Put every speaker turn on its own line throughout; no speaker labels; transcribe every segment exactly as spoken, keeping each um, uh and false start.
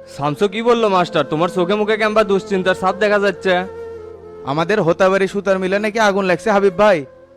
শামসু কি বললো মাস্টার? তোমার চোখে মুখে কেমবা দুশ্চিন্তার ছাপ দেখা যাচ্ছে।
আমাদের হোতাবাড়ি সুতার মিলে নাকি আগুন লাগছে হাবিব ভাই।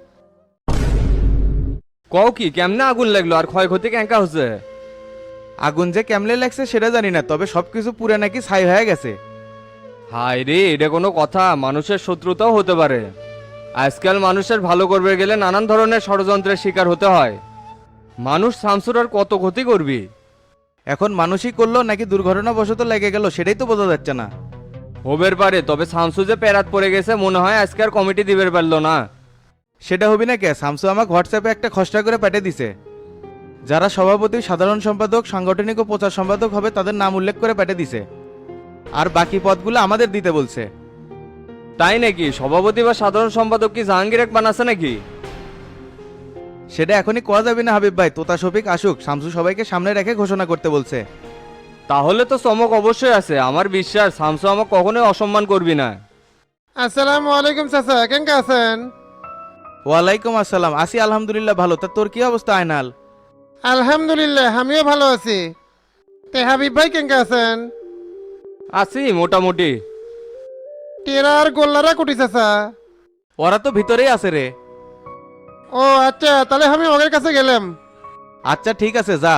কও কি, কেমনে আগুন লাগলো আর ক্ষয়ক্ষতি কেঙ্কা হচ্ছে?
আগুন যে কেমনে লাগছে সেটা জানি না, তবে সবকিছু পুরে নাকি ছাই হয়ে গেছে।
হায় রে, এটা কোনো কথা? মানুষের শত্রুতাও হতে পারে। আজকাল মানুষের ভালো করবে গেলে নানান ধরনের ষড়যন্ত্রের শিকার হতে হয়। মানুষ শামসুর আর কত ক্ষতি করবি?
এখন মানুষই করলো নাকি দুর্ঘটনাবশত লেগে গেল সেটাই তো বোঝা যাচ্ছে না।
হবের পারে, তবে শামসু যে পেরাত পড়ে গেছে মনে হয় আজকে আর কমিটি দিবের পারলো না।
সেটা হবি না কে? শামসু আমাকে হোয়াটসঅ্যাপে একটা খসড়া করে পাঠিয়ে দিছে। যারা সভাপতি, সাধারণ সম্পাদক, সাংগঠনিক ও প্রচার সম্পাদক হবে তাদের নাম উল্লেখ করে পাঠিয়ে দিছে, আর বাকি পদগুলো আমাদের দিতে বলছে।
তাই নাকি? সভাপতি বা সাধারণ সম্পাদক কি জাহাঙ্গীর এক বানাচ্ছে নাকি?
সেটা এখনই কোয়া যাবে না হাবিব ভাই, তোতা শফিক আসুক, শামসু সবাইকে সামনে রেখে ঘোষণা করতে বলছে।
তাহলে তো চমক অবশ্যই আছে। আমার বিশ্বাস শামসু আমাকে কখনোই অসম্মান করবি না।
আসসালামু আলাইকুম চাচা, কেমন আছেন?
ওয়ালাইকুম আসসালাম, আসি আলহামদুলিল্লাহ ভালো। তা তোর কি অবস্থা আয়নাল?
আলহামদুলিল্লাহ, আমিও ভালো আছি। তে হাবিব ভাই কেমন আছেন?
আছি মোটামুটি।
টেরা আর গোল্লারা কুটি চাচা?
ওরা তো ভিতরেই আছে রে।
ও আচ্ছা, তাহলে আমি ওদের কাছে গেলাম।
আচ্ছা ঠিক আছে, যা।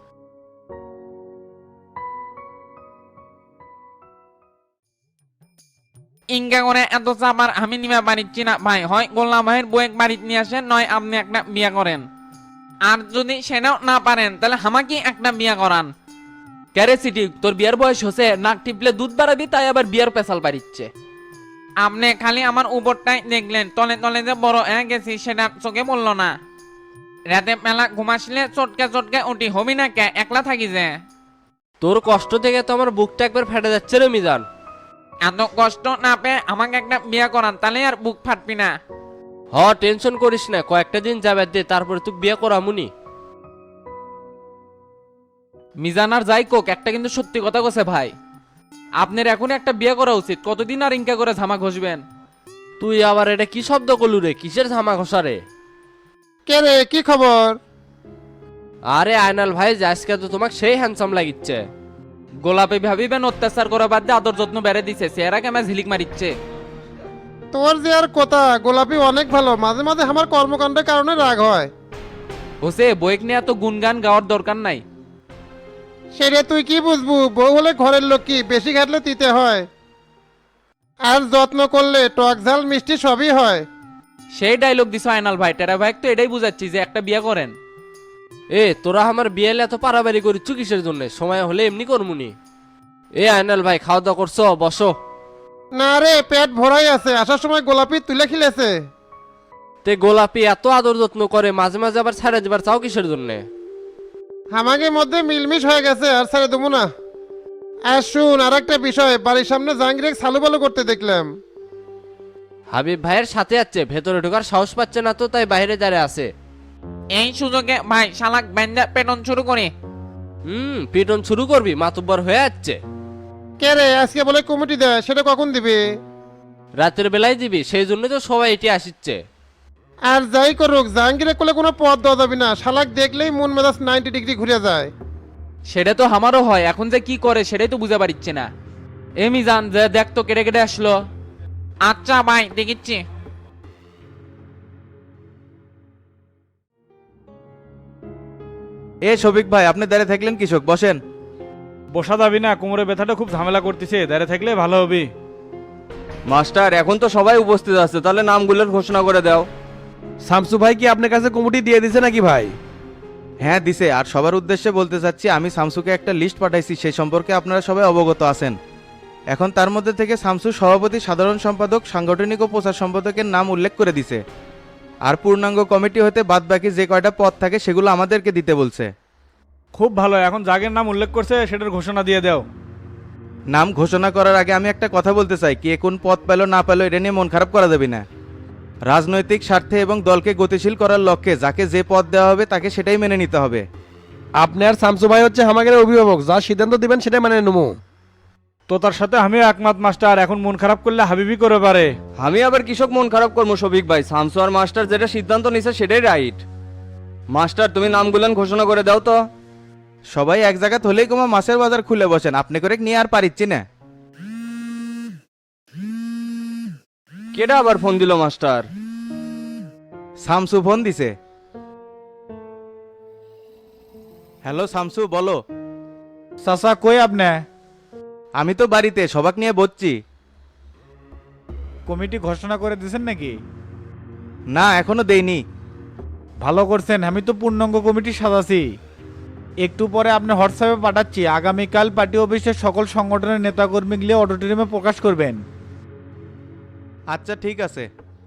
ইনকা করে এত চাপার আমি নিমা পারিচ্ছি না ভাই। হয় গোল্লা ভাইয়ের বউয়ের বাড়িতে নিয়ে আসেন, নয় আপনি একটা বিয়া করেন। আর যদি সেটাও না পারেন তাহলে আমাকে একটা বিয়া করান।
ক্যারে সিটি, তোর বিয়ার বয়স হচ্ছে, নাক টিপলে দুধ বাড়াবি তাই আবার বিয়ার পেশাল পারিচ্ছে।
আপনি খালি আমার উপরটাই দেখলেন, তলে তলে যে বড় হয়ে গেছি সেটা চোখে বললো না। রাতে মেলা ঘুমাসলে চটকে চটকে উঠি, হবি না কে? একলা থাকি যে।
তোর কষ্ট থেকে তো আমার বুকটা একবার ফেটে যাচ্ছে রে মিজান।
এত কষ্ট না পেয়ে আমাকে একটা বিয়া করান, তাহলে আর বুক ফাটবি না।
হ, টেনশন করিস না, কয়েকটা দিন যাবে দে, তারপরে তুই বিয়ে করামুনি।
মিজান আর যাই কোক, একটা কিন্তু সত্যি কথা কছে ভাই, আপনার এখন একটা বিয়ে করা উচিত। কতদিন আর ইনকা করে ঝামা ঘষবেন?
তুই আবার এটা কি শব্দ করলু রে? কিসের ঝামা ঘষা রে?
কে রে, কি খবর?
আরে আয়নাল ভাই, যে আজকে তো তোমাকে সেই হ্যান্ডসাম লাগিচ্ছে।
গোলাপে ভাবিবেন অত্যাচার করা বাদ দিয়ে আদর যত্ন বেড়ে দিছে, চেহারা কেমন ঝিলিক মারিচ্ছে।
তোর যে আর কথা, গোলাপি অনেক ভালো, মাঝে মাঝে আমার কর্মকাণ্ডের কারণে রাগ হয়।
হোসে বইক নিয়ে এত গুনগান গাওয়ার দরকার নাই।
সেটা তুই কি বুঝবু? বউ হলে ঘরের লোক, কি বেশি ঘাটলে দিতে হয়, আর যত্ন করলে টক ঝাল মিষ্টি সবই হয়।
সেই ডায়লগ দিছ আয়নাল ভাই, টেরা ভাই তো এটাই বুঝাচ্ছি যে একটা বিয়ে করেন।
এ তোরা আমার বিয়ে এত পারাবারি করিচ্ছ কিসের জন্য? সময় হলে এমনি করমুনি। এ আয়নাল ভাই, খাওয়া দাওয়া করছো? বসো।
না রে, পেট ভরাই আছে, আসার সময় গোলাপি তুলে খিলেছে।
তে গোলাপি এত আদর যত্ন করে, মাঝে মাঝে আবার ছাড়া দিবার চাও কিসের জন্য?
আমাকে মধ্যে মিলমিশ হয়ে গেছে, আর ছেড়ে দেবো না। আর শুন, আর একটা বিষয়, বাড়ির সামনে জাহাঙ্গীর সালু বালু করতে দেখলাম।
হাবিব ভাইয়ের সাথে আছে, ভেতরে ঢোকার সাহস পাচ্ছে না তো, তাই বাইরে দাঁড়িয়ে আছে।
এই সুযোগে ভাই শালাক ব্যান্ডা পেটন শুরু করে।
হুম, পিটন শুরু করবি? মাতুব্বর হয়ে যাচ্ছে।
কে রে, আজকে বলে কমিটি দেয়, সেটা কখন দিবে?
রাতের বেলায় দিবি, সেই জন্য তো সবাই এটি আসিচ্ছে।
আর যাই করুক, জাহাঙ্গীরের কোলে কোনো পথ দেওয়া যাবে না, শালাক দেখলেই মন মেজাজ নাইনটি ডিগ্রি ঘুরে যায়।
সেটা তো আমারও হয়, এখন যে কি করে সেটাই তো বুঝে পারিচ্ছে না। এ মিজান, যে দেখ তো কেটে কেটে আসলো।
আচ্ছা ভাই, দেখিচ্ছি।
এ শফিক ভাই, আপনি দাঁড়িয়ে থাকলেন কৃষক, বসেন।
বসা যাবি না, কোমরে ব্যথাটা খুব ঝামেলা করতেছে, দাঁড়িয়ে থাকলে ভালো হবে।
মাস্টার, এখন তো সবাই উপস্থিত আছে, তাহলে নামগুলোর ঘোষণা করে দাও।
শামসু ভাই কি আপনার কাছে কমিটি দিয়ে দিছে নাকি ভাই?
হ্যাঁ দিছে, আর সবার উদ্দেশ্যে বলতে চাচ্ছি, আমি শামসুকে একটা লিস্ট পাঠাইছি, সেই সম্পর্কে আপনারা সবাই অবগত আছেন। এখন তার মধ্যে থেকে শামসু সভাপতি, সাধারণ সম্পাদক, সাংগঠনিক ও প্রচার সম্পাদকের নাম উল্লেখ করে দিছে। আর পূর্ণাঙ্গ কমিটি হতে বাদ বাকি যে কয়টা পদ থাকে সেগুলো আমাদেরকে দিতে বলছে।
খুব ভালো, এখন যাগের নাম উল্লেখ করছে সেটার ঘোষণা দিয়ে দাও।
নাম ঘোষণা করার আগে আমি একটা কথা বলতে চাই, কে কোন পদ পেল না পেল এটা নিয়ে মন খারাপ করা যাবে না। রাজনৈতিক স্বার্থে এবং দলকে গতিশীল করার লক্ষ্যে যাকে যে পদ দেওয়া হবে তাকে সেটাই মেনে নিতে হবে।
আপনি আর শামসু ভাই হচ্ছে আমাদের অভিভাবক, যা সিদ্ধান্ত দিবেন সেটাই মানে নেবো।
তো তার সাথে আমিও একমত মাস্টার, এখন মন খারাপ করলে হাবিবি করে পারে।
আমি আবার কৃষক মন খারাপ করবো শফিক ভাই? শামসু আর মাস্টার যেটা সিদ্ধান্ত নিছে সেটাই রাইট। মাস্টার, তুমি নামগুলো ঘোষণা করে দাও তো।
সবাই এক জায়গা হলেই কমা মাছের বাজার খুলে বসেন, আপনি করে নিয়ে আর পারিচ্ছি না।
কেডা আবার ফোন দিল মাস্টার?
শামসু ফোন দিছে। হ্যালো শামসু, বলো।
চাচা কই আপনি?
আমি তো বাড়িতে সবাক নিয়ে বসছি।
কমিটি ঘোষণা করে দিয়েছেন নাকি?
না, এখনো দেইনি।
ভালো করছেন, আমি তো পূর্ণাঙ্গ কমিটি সাজাছি। একটু পরে আপনি হোয়াটসঅ্যাপে পাঠাচ্ছি। আগামীকাল পার্টি অফিসের সকল সংগঠনের নেতাকর্মী গিয়ে অডিটোরিয়ামে প্রকাশ করবেন।
আচ্ছা ঠিক আছে।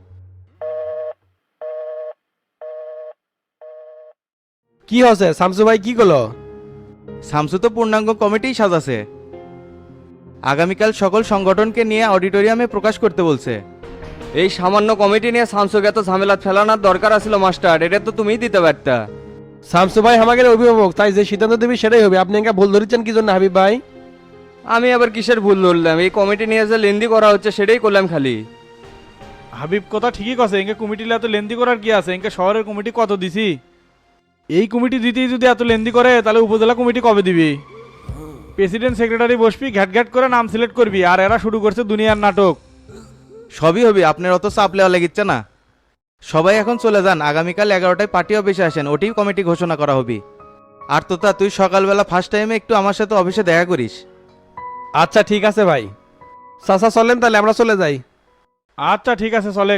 কি হচ্ছে শামসু ভাই, কি করলো?
শামসু তো পূর্ণাঙ্গ কমিটি সাজাছে, আগামীকাল সকল সংগঠনকে নিয়ে অডিটোরিয়ামে প্রকাশ করতে বলছে।
এই সামান্য কমিটি নিয়ে শামসুকে এত ঝামেলা ফেলানোর দরকার আছিল মাস্টার, এটা তো তুমিই দিতে পারতা।
শামসু ভাই আমাদের অভিভাবক, তাই যে সিদ্ধান্ত দেবে সেটাই হবে। আপনি একা ভুল ধরেছেন কি জন্য হাবিব ভাই?
আমি আবার কিসের ভুল ধরলাম? এই কমিটি নিয়ে যে লেন্দি করা হচ্ছে সেটাই করলাম খালি।
হাবিব কথা ঠিকই কথা, এঙ্কে কমিটি এত লেন্দি করার কি আছে? এঙ্কে শহরের কমিটি কত দিছি, এই কমিটি দিতেই যদি এত লেন্দি করে তাহলে উপজেলা কমিটি কবে দিবি? প্রেসিডেন্ট সেক্রেটারি বসবি, ঘ্যাট ঘ্যাট করে নাম সিলেক্ট করবি, আর এরা শুরু করছে দুনিয়ার নাটক।
সবই হবে, আপনার অত চাপ লেওয়া লেগেছে না। সবাই এখন চলে যান, আগামীকাল এগারোটায় পার্টি অফিসে আসেন, ওটি কমিটি ঘোষণা করা হবে। আর তোতা তুই সকালবেলা ফার্স্ট টাইমে একটু আমার সাথে অফিসে দেখা করিস।
আচ্ছা ঠিক আছে ভাই। চাচা চলেন তাহলে আমরা চলে যাই।
আচ্ছা ঠিক আছে, চলে।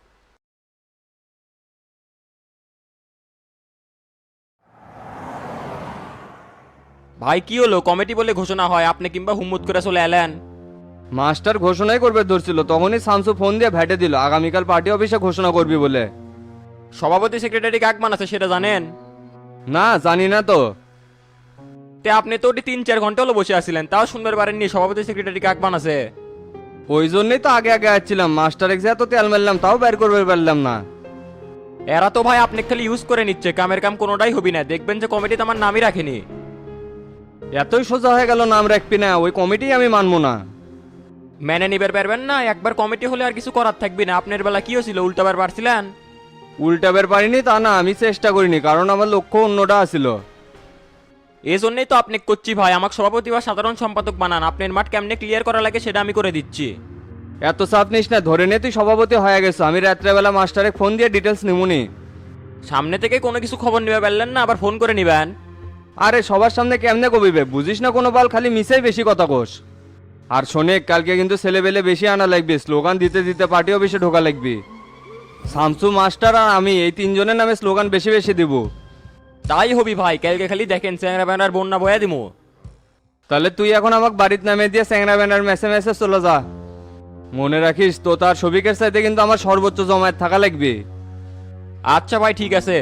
ভাই কি হলো? কমিটি বলে ঘোষণা হয়, আপনি কিংবা হুম্মত করে চলে এলেন।
মাস্টার ঘোষণাই করবে ধরছিল, তখনই শামসু ফোন দিয়ে ভেটে দিল আগামীকাল পার্টি অফিসে ঘোষণা করবি বলে।
সভাপতি সেক্রেটারি কাক বানাচ্ছে সেটা জানেন?
না, জানি না তো।
তে আপনি তো ওটি তিন চার ঘন্টা হলো বসে আছিলেন, তাও শুনবার পারেননি সভাপতি সেক্রেটারি কাক বানাচ্ছে?
ওই জন্যই তো আগে আগে আসছিলাম, মাস্টার এক্সে এত তেল মারলাম তাও বের করবে পারলাম না।
এরা তো ভাই আপনি খালি ইউজ করে নিচ্ছে, কামের কাম কোনোটাই হবি না। দেখবেন যে কমিটিতে আমার নামই রাখেনি।
এতই সোজা হয়ে গেল নাম রাখবি না, ওই কমিটি আমি মানবো না।
মেনে নিবার পারবেন না? একবার কমিটি হলে আর কিছু করার থাকবি না। আপনার বেলা কি হয়েছিল, উল্টাবার পারছিলেন?
উল্টাবের পারিনি তা না, আমি চেষ্টা করিনি, কারণ আমার লক্ষ্য অন্যটা আছিল।
এই জন্যই তো আপনি করছি ভাই, আমাকে সভাপতি বা সাধারণ সম্পাদক বানান। আপনার মাঠ কেমনে ক্লিয়ার করা লাগে সেটা আমি করে দিচ্ছি।
এত চাপ নিস না, ধরে নে তুই সভাপতি হয়ে গেছো, আমি রাত্রেবেলা মাস্টারে ফোন দিয়ে ডিটেলস নিমুনি।
সামনে থেকে কোনো কিছু খবর নিবে পারলেন না, আবার ফোন করে নিবেন।
আরে সবার সামনে কেমনে কবিবে, বুঝিস না কোনো বাল, খালি মিসেই বেশি কথা কোস। আর শোনে, কালকে কিন্তু ছেলেবেলে বেশি আনা লাগবে, স্লোগান দিতে দিতে পার্টি অফিসে ঢোকা লাগবে। শামসু মাস্টার আর আমি এই তিনজনের নামে স্লোগান বেশি বেশি দিব।
তাই হবি ভাই, কালকে খালি দেখেন চ্যাংরা ব্যানার বন্যা বয়া দিমু।
তাহলে তুই এখন আমাকে বাড়িতে নামে দিয়ে স্যাংরা ব্যানার মেসে মেসে চলে যা। মনে রাখিস তো, তার সবিকের চাইতে কিন্তু আমার সর্বোচ্চ জমায়েত থাকা লাগবে।
আচ্ছা ভাই ঠিক আছে।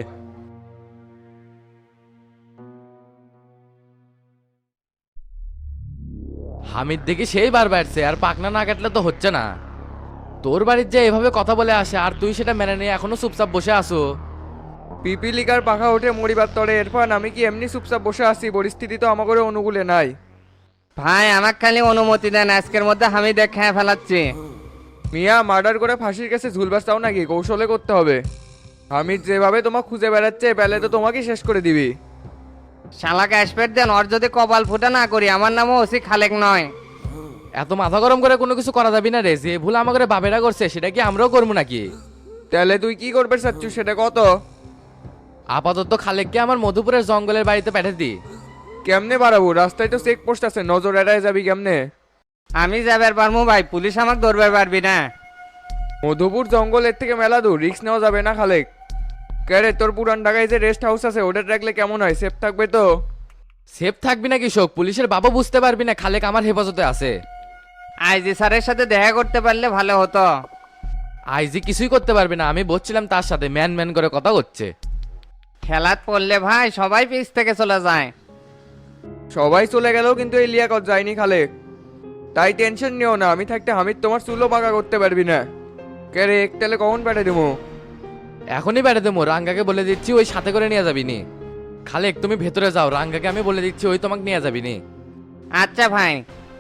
হামিদ দেখি সেই বার বাড়ছে, আর পাকনা না কাটলে তো হচ্ছে না। তোর বাড়ির যে এভাবে কথা বলে আসে আর তুই সেটা মেনে নিয়ে এখনো চুপচাপ বসে আসো।
পিপিলিকার পাখা ওঠে মরিবার তরে, এরপর আমি কি এমনি চুপচাপ বসে আছি? পরিস্থিতি তো আমাকে অনুকূলে নাই।
ভাই আমাকে খালি অনুমতি দেন, আজকের মধ্যে আমি দেখে ফেলাচ্ছি।
মিয়া, মার্ডার করে ফাঁসির কাছে ঝুলবার চাও নাকি? কৌশলে করতে হবে। আমি যেভাবে তোমাকে খুঁজে বেড়াচ্ছে, পেলে তো তোমাকেই শেষ করে দিবি।
শালাকে আসপেট দেন, ওর যদি কপাল ফুটা না করি, আমার নামও ওসি খালেক নয়।
এত মাথা গরম করে কোনো কিছু করা যাবি না রে, যে ভুল আমাকে বাবেরা করছে সেটা কি আমরাও করবো নাকি?
তাহলে তুই কি করবে চাচ্ছু সেটা কত?
আপাতত খালেককে আমার মধুপুরের জঙ্গলের বাড়িতে পাঠিয়ে দি।
কেমনে বাড়াবো? রাস্তায় তো চেক পোস্ট আছে, নজর এড়ায় যাবি কেমনে?
আমি যাবার পারবো ভাই, পুলিশ আমাকে ধরবার পারবি না।
মধুপুর জঙ্গলের থেকে মেলা দূর, রিস্ক নেওয়া যাবে না খালেক। কে তোর পুরান ঢাকায় যে রেস্ট হাউস আছে ওটা রাখলে কেমন হয়? সেফ থাকবে তো?
সেফ থাকবি না কৃষক, পুলিশের বাবা বুঝতে পারবি না খালেক আমার হেফাজতে আছে।
আইজি স্যারের সাথে দেখা করতে পারলে ভালো হতো।
আইজি কিছুই করতে পারবি না, আমি বলছিলাম তার সাথে ম্যান ম্যান করে কথা হচ্ছে।
খেলাত পড়লে ভাই সবাই পিছ থেকে চলে যায়।
সবাই চলে গেলেও কিন্তু এই লিয়াকত যায়নি খালেক, তাই টেনশন নিও না। আমি থাকতে হামিদ তোমার চুলো পাকা করতে পারবি না। কে রে, একটালে কখন পাঠিয়ে দেবো?
এখনই বেড়ে দেবো, রাঙ্গাকে বলে দিচ্ছি ওই সাথে করে নিয়ে যাবি নি। খালেক তুমি ভেতরে যাও, রাঙ্গাকে আমি বলে দিচ্ছি ওই তোমাকে নিয়ে যাবি নি।
আচ্ছা ভাই।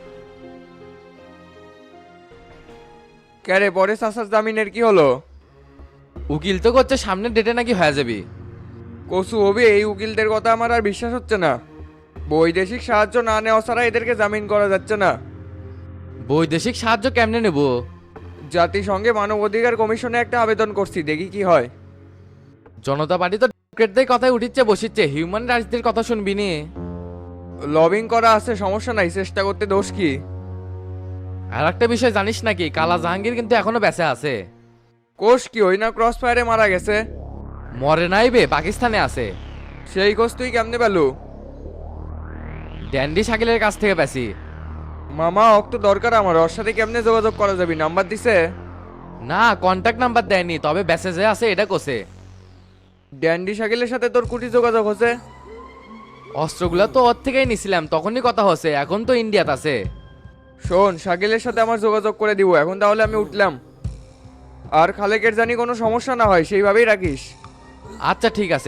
কে রে, পরে চাষার জামিনের কি হলো?
উকিল তো করছে সামনের ডেটে নাকি হয়ে যাবি।
কসু হবে, এই উকিলদের কথা আমার আর বিশ্বাস হচ্ছে না। বৈদেশিক সাহায্য না নেওয়া ছাড়া এদেরকে জামিন করা যাচ্ছে না।
বৈদেশিক সাহায্য কেমনে নেব?
জাতিসংঘে মানবাধিকার কমিশনে একটা আবেদন করছি, দেখি কি হয়।
জনতা পার্টি তো ডেমোক্রেটদের কথাই উঠিচ্ছে বসিচ্ছে, হিউম্যান রাইটসদের কথা শুনবি নি?
লবিং করা আছে, সমস্যা নাই, চেষ্টা করতে দোষ কি?
আর একটা বিষয় জানিস নাকি, কালা জাহাঙ্গীর কিন্তু এখনো বেঁচে আছে।
কোষ কি ওই না ক্রস ফায়ারে মারা গেছে?
মরে নাই বে, পাকিস্তানে আছে।
সেই কোষ তুই কেমনে পেলু?
ড্যান্ডি শাকিলের কাছ থেকে পেছি।
মামা অক তো দরকার আমার, ওর সাথে কেমনে যোগাযোগ করা যাবে? নাম্বার দিছে?
না, কন্ট্যাক্ট নাম্বার দেয়নি, তবে মেসেজে আছে এটা কোসে।
ড্যান্ডি শাকিলের সাথে তোর কুটি যোগাযোগ হচ্ছে?
অস্ত্রগুলো তো ওর থেকেই নিছিলাম, তখনই কথা হচ্ছে, এখন তো ইন্ডিয়াতে আছে।
শোন, শাকিলের সাথে আমার যোগাযোগ করে দিব এখন, তাহলে আমি উঠলাম। আর খালেকের জানি কোনো সমস্যা না হয় সেইভাবেই রাখিস।
আচ্ছা ঠিক আছে।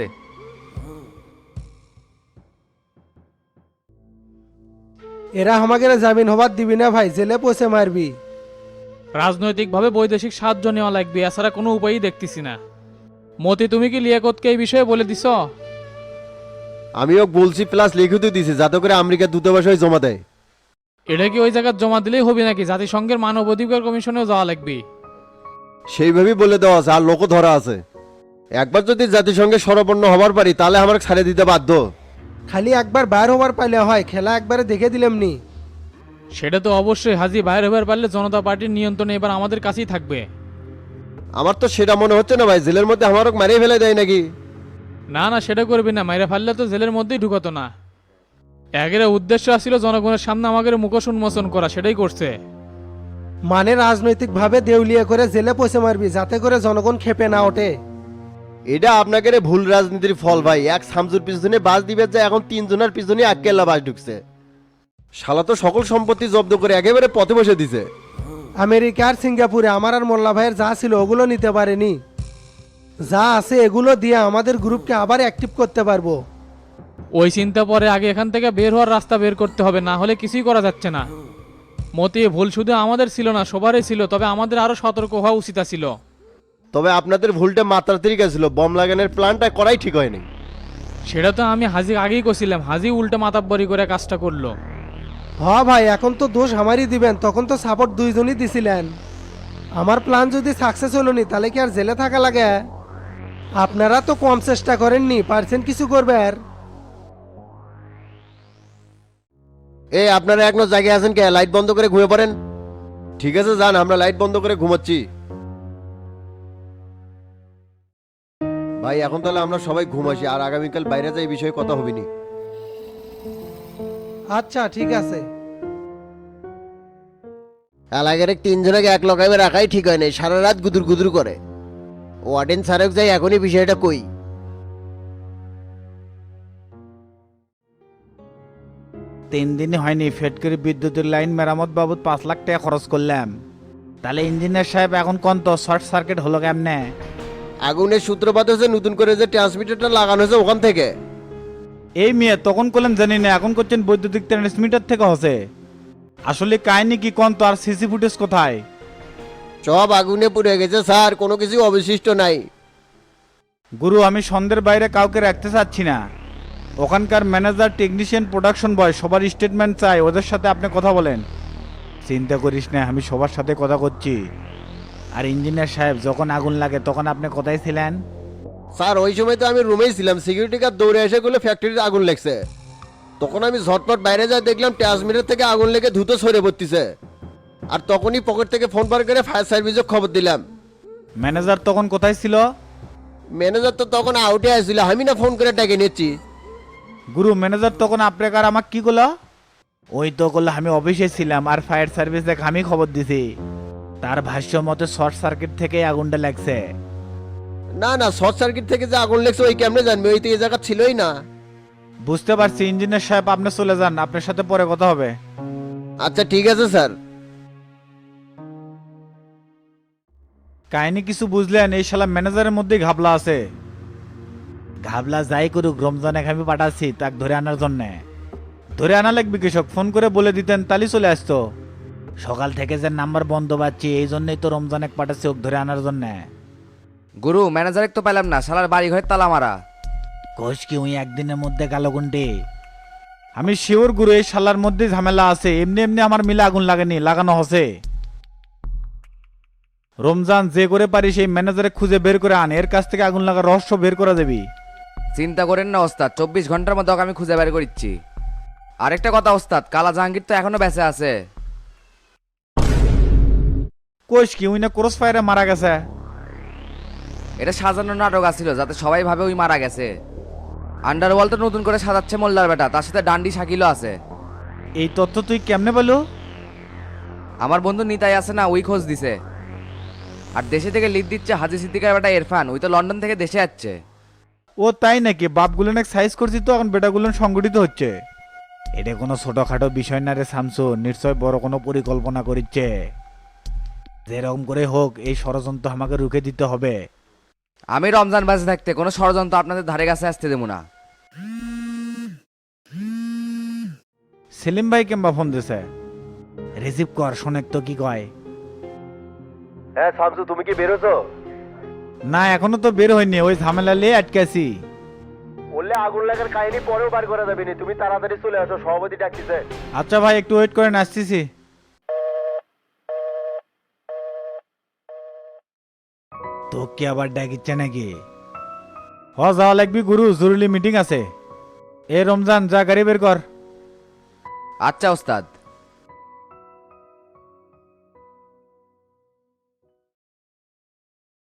এরা আমাকে জামিন হবার দিবি না ভাই, জেলে পয়সা মারবি।
রাজনৈতিকভাবে বৈদেশিক সাহায্য নেওয়া লাগবে, এছাড়া কোনো উপায়ই দেখতেছি না। মতি, তুমি কি লিয়াকতকে এই বিষয়ে বলে দিছ?
আমিও বলছি, প্লাস লিখিত দিছি যাতে করে আমেরিকা দূতাবাসে জমা দেয়।
এটা কি ওই জায়গায় জমা দিলেই হবে নাকি জাতিসংঘের মানবাধিকার কমিশনেও যাওয়া লাগবে?
সেইভাবেই বলে দেওয়া আছে, আর লোক ধরা আছে। একবার যদি জাতিসংঘে সরবর্ণ হবার পারি তাহলে আমার ছাড়ে দিতে বাধ্য। খালি একবার বাইর হবার পাইলে হয়, খেলা একবারে দেখে দিলাম নি।
সেটা তো অবশ্যই, হাজি বাইরে হবার পারলে জনতা পার্টির নিয়ন্ত্রণে এবার আমাদের কাছেই থাকবে।
আমার তো সেটা মনে হচ্ছে না ভাই, জেলের মধ্যে আমারও মারিয়ে ফেলে দেয় নাকি?
না না, সেটা করবি না, মাইরা ফাললে তো জেলের মধ্যেই ঢুকতো না। একের উদ্দেশ্য ছিল জনগণের সামনে আমাদের মুখোশ উন্মোচন করা, সেটাই করছে।
মানে রাজনৈতিক ভাবে দেউলিয়া করে জেলে পয়সা মারবি যাতে করে জনগণ খেপে না ওঠে। এটা আপনাকে ভুল রাজনীতির ফল ভাই। এক সামজুর পিছনে বাস দিবে যে এখন তিনজনের পিছনে আক্কেল্লা বাস ঢুকছে। শালা তো সকল সম্পত্তি জব্দ করে একেবারে পথে বসে দিছে। আমেরিকা আর সিঙ্গাপুরে আমার আর মোল্লা ভাইয়ের যা ছিল ওগুলো নিতে পারেনি, যা আছে এগুলো দিয়ে আমাদের গ্রুপকে আবার অ্যাক্টিভ করতে পারবো।
ওই চিন্তা পরে আগে এখান থেকে বের হওয়ার রাস্তা বের করতে হবে, না হলে কিছুই করা যাচ্ছে না। মতি, ভুল শুধু আমাদের ছিল না, সবারই ছিল, তবে আমাদের আরো সতর্ক হওয়া উচিত ছিল।
তবে আপনাদের ভুলটা মাত্রাতিরিক ছিল, বম লাগানোর প্ল্যানটা করাই ঠিক হয়নি।
সেটা তো আমি হাজি আগেই কছিলাম, হাজি উল্টা মাতাব্বরি করে কাজটা করলো।
হ্যাঁ ভাই, এখন তো দোষ আমারই দিবেন, তখন তো সাপোর্ট দুইজনই দিছিলেন। আমার প্ল্যান যদি সাকসেস হলো নি তাহলে কি আর জেলে থাকা লাগে? আপনারা তো কম চেষ্টা করেননি, পারছেন কিছু করবার। এই আপনারা এখনো জায়গায় আছেন কে? লাইট বন্ধ করে ঘুমিয়ে পড়েন। ঠিক আছে যান, আমরা লাইট বন্ধ করে ঘুমাচ্ছি। ভাই এখন তাহলে আমরা সবাই ঘুমাসি, আর আগামীকাল বাইরে যাই বিষয়ে কথা হবিনি। আচ্ছা ঠিক আছে। এলাকার তিনজনকে এক লকামে রাখাই ঠিক হয় না, সারা রাত গুদুর গুদুর করে। ওয়ার্ডেন স্যারক যাই এখনই বিষয়টা কই।
তিন দিন হয়নি ফেট করে বিদ্যুতের লাইন মেরামত বাবদ পাঁচ লাখ টাকা খরচ করলাম। তাহলে ইঞ্জিনিয়ার সাহেব এখন কোন তো শর্ট সার্কিট হলো কেমনে?
আগুনের সূত্রপাত হয়েছে নতুন করে যে ট্রান্সমিটারটা লাগানো হয়েছে ওখান থেকে।
এই মেয়ে তখন করলাম জানি না, এখন করছেন বৈদ্যুতিক ট্রান্সমিটার থেকে হচ্ছে। আসলে কাহিনী কি কোন তো, আর সিসি ফুটেজ কোথায়?
সব আগুনে পুড়ে গেছে স্যার, কোনো কিছু অবশিষ্ট নাই।
গুরু, আমি সন্ধ্যের বাইরে কাউকে রাখতে চাচ্ছি না। ওখানকার ম্যানেজার, টেকনিশিয়ান, প্রোডাকশন বয় সবার স্টেটমেন্ট চাই, ওদের সাথে আপনি কথা বলেন। চিন্তা করিস না, আমি সবার সাথে কথা করছি। আর ইঞ্জিনিয়ার সাহেব, যখন আগুন লাগে তখন আপনি কোথায় ছিলেন?
স্যার ওই সময় তো আমি রুমেই ছিলাম, সিকিউরিটি গার্ড দৌড়ে এসে গুলো ফ্যাক্টরিতে আগুন লেগছে। তখন আমি ঝটপট বাইরে যাই, দেখলাম ট্রান্সমিটার থেকে আগুন লেগে দ্রুত সরে পড়তেছে। আর তখনই পকেট থেকে ফোন বার করে ফায়ার সার্ভিসে খবর দিলাম।
ম্যানেজার তখন কোথায় ছিল?
ম্যানেজার তো তখন আউটে আসছিল, আমি না ফোন করে ডেকে নিচ্ছি।
গুরু, ম্যানেজার তখন আপনাকে আর আমাকে কি করলো? ওই তো করলো আমি অফিসে ছিলাম আর ফায়ার সার্ভিসে আমি খবর দিছি। তার ভাষ্য মতে শর্ট সার্কিট থেকে আগুনটা লাগছে।
না না, শর্ট সার্কিট থেকে যে আগুন লেগছে ওই কেমনে জানবে? ওই তো এই জায়গা ছিলই না।
বুঝতে পারছি ইঞ্জিনিয়ার সাহেব, আপনি চলে যান, আপনার সাথে পরে কথা হবে।
আচ্ছা ঠিক আছে স্যার।
কাহিনী কিছু বুঝলেন? এই শালা ম্যানেজারের মধ্যেই ঘাবলা আছে। ঘাবলা যাই করুক, রমজানে আমি পাঠাচ্ছি তাক ধরে আনার জন্য। ধরে আনা লাগবে কৃষক, ফোন করে বলে দিতেন তালি চলে আসতো। সকাল থেকে যে নাম্বার বন্ধ পাচ্ছি, এই জন্যই তো রমজানে পাঠাচ্ছি ওকে ধরে আনার জন্য।
গুরু, ম্যানেজার তো পেলাম না, শালার বাড়ি ঘরে তালা মারা।
কোষ কি উই একদিনের মধ্যে গেল গুন্ডি? আমি শিওর গুরু এই শালার মধ্যে ঝামেলা আছে, এমনি এমনি আমার মিলে আগুন লাগেনি, লাগানো হসে। রমজান যে করে পারি সেই ম্যানেজারে খুঁজে বের করে আন, এর কাছ থেকে আগুন লাগার রহস্য বের করা যাবি।
চিন্তা করেন না ওস্তাদ, চব্বিশ ঘন্টার মধ্যে ওকে আমি খুঁজে বের করিচ্ছি। আরেকটা কথা ওস্তাদ, কালা জাহাঙ্গীর তো এখনো বেঁচে আছে।
কোষ কি উইনা ক্রস ফায়ারে মারা গেছে?
এটা সাজানো নাটক আছিল যাতে সবাই ভাবে ওই মারা গেছে। আন্ডারওয়ার্ল্ড তো নতুন করে সাজাচ্ছে মোল্লার বেটা, তার সাথে ডান্ডি শাকিলও আছে।
এই তথ্য তুই কেমনে পেলো?
আমার বন্ধু নিতাই আছে না, ওই খোঁজ দিছে। আর দেশে থেকে লিড দিচ্ছে হাজি সিদ্দিকার বেটা ইরফান, ওই তো লন্ডন থেকে দেশে যাচ্ছে।
ও তাই নাকি? বাপগুলো নাকি সাইজ করছি তো, এখন বেটাগুলো সংগঠিত হচ্ছে। এটা কোনো ছোটখাটো বিষয় না রে শামসু, নিশ্চয় বড় কোনো পরিকল্পনা করিচ্ছে। যেরকম করে হোক এই ষড়যন্ত্র আমাকে রুখে দিতে হবে।
আমি রমজান বাজে থাকতে কোনো ষড়যন্ত্র আপনাদের ধারে কাছে আসতে দেবো না।
সেলিম ভাই কেমবা ফোন দিছে? রিসিভ কর, শোনেক তো কি কয়।
হ্যাঁ শামসু, তুমি কি বেরোছো?
না এখনো তো বের হয়নি, ওই ঝামেলা লিয়ে আটকে আছি।
বললে আগুন লাগার কাহিনী পরেও বার করা যাবে না, তুমি তাড়াতাড়ি চলে আসো, সভাপতি ডাকতেছে।
আচ্ছা ভাই একটু ওয়েট করেন, আসতেছি। তো কি আবার ডাকিচ্ছে নাকি? হ যাওয়া লাগবি গুরু, জরুরি মিটিং আছে। এ রমজান যা গাড়ি বের কর।
আচ্ছা ওস্তাদ।